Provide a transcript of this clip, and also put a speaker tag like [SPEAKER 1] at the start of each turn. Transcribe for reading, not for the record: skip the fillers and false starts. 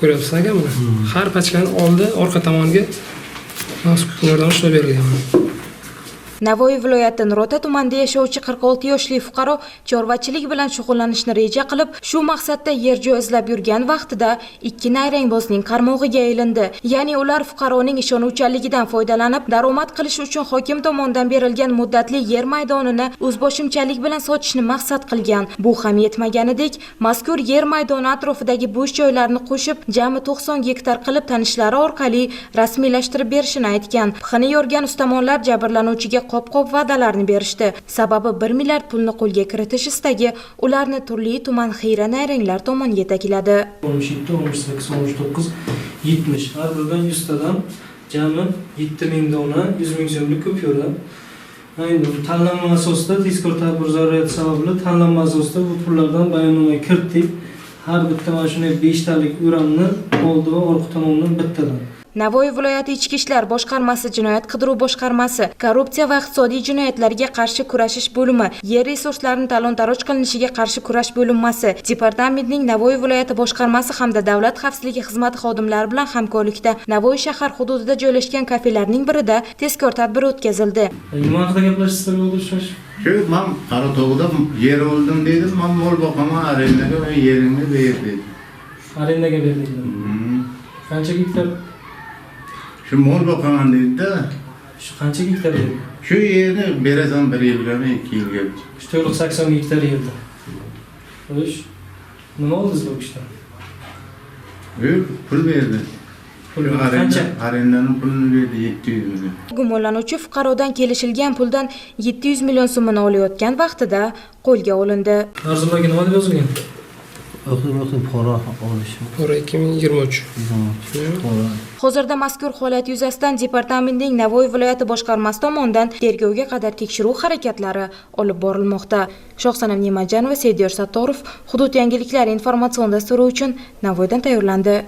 [SPEAKER 1] Ko'ryapsiz aka buni? Har pachkani oldi, orqa tomoniga maxsus kukunlardan ushlab berilgan.
[SPEAKER 2] Navoiy viloyati Nurota tumanida yashovchi 46 yoshli fuqaro chorvachilik bilan shug'ullanishni reja qilib, shu maqsadda yer joy izlab yurgan vaqtida ikki nayrangbozning qarmog'iga aylandi. Ya'ni ular fuqaroning ishonuvchanligidan foydalanib, daromad qilish uchun hokim tomonidan berilgan muddatli yer maydonini o'zboshimchalik bilan sotishni maqsad qilgan. Bu ham yetmaganidek, mazkur yer maydoni atrofidagi bo'sh joylarni qo'shib, jami 90 gektar qilib tanishlari orqali rasmiylashtirib berishini aytgan. Pixini yorgan ustamonlar jabrlanuvchiga qop-qop va'dalarni berishdi. Sababi 1 milliard pulni qo'lga kiritish istagi ularni turli tuman xiyra nayranglar tomon yetakladi.
[SPEAKER 1] 17, 18, 19, 70. Har biridan 100 tadan jami 7000 dona 100 ming so'mlik kupyura. Endi tanlanma asosida tezkor tadbir zarurati sababli tanlanma asosida bu pullardan bayonnomaga kiritdik. Har bitta mana shunday 5 talik uranni oldi va orqa tomondan bittadan.
[SPEAKER 2] Navoiy viloyati Ichki ishlar boshqarmasi, Jinoyat qidiruv boshqarmasi, Korrupsiya va iqtisodiy jinoyatlarga qarshi kurashish bo'limi, yer resurslarini talon-taroj qilinishiga qarshi kurash bo'linmasi, departamentning Navoiy viloyati boshqarmasi hamda Davlat xavfsizligi xizmati xodimlari bilan hamkorlikda Navoiy shahar hududida joylashgan kafelarning birida tezkor tadbir o'tkazildi.
[SPEAKER 1] Nima haqida gaplashishlar bo'ldi o'xshash?
[SPEAKER 3] Shu men Qaratog'da yer oldim dedim, men mol boqaman, arendaga va yerimni berdim.
[SPEAKER 1] Arendaga berdinglar. Qancha gektar?
[SPEAKER 3] Shu mol boqaman dedi-da.
[SPEAKER 1] Shu qancha gektar yer?
[SPEAKER 3] Shu yerni berasan 1 yilgami, 2 yilga.
[SPEAKER 1] Shu 80 gektar yerda. Xo'sh. Nima oldingiz bu ishdan?
[SPEAKER 3] Pul berdi.
[SPEAKER 1] Pul qancha?
[SPEAKER 3] Arendaning pulini berdi 700 million.
[SPEAKER 2] Gumonlanuvchi fuqarodan kelishilgan puldan 700 million so'mini olayotgan vaqtida qo'lga olindi.
[SPEAKER 1] Arzonlarga nima deb yozilgan?
[SPEAKER 4] Pora olish.
[SPEAKER 1] Pora 2023.
[SPEAKER 2] Hozirda mazkur holat yuzasidan departamentning Navoiy viloyati boshqarmasi tomonidan tergovga qadar tekshiruv harakatlari olib borilmoqda. Shohsanam Nemajanova, Seydiyor Sattorov, Hudud yangiliklari informatsion dasturi uchun Navoiydan tayyorlandi.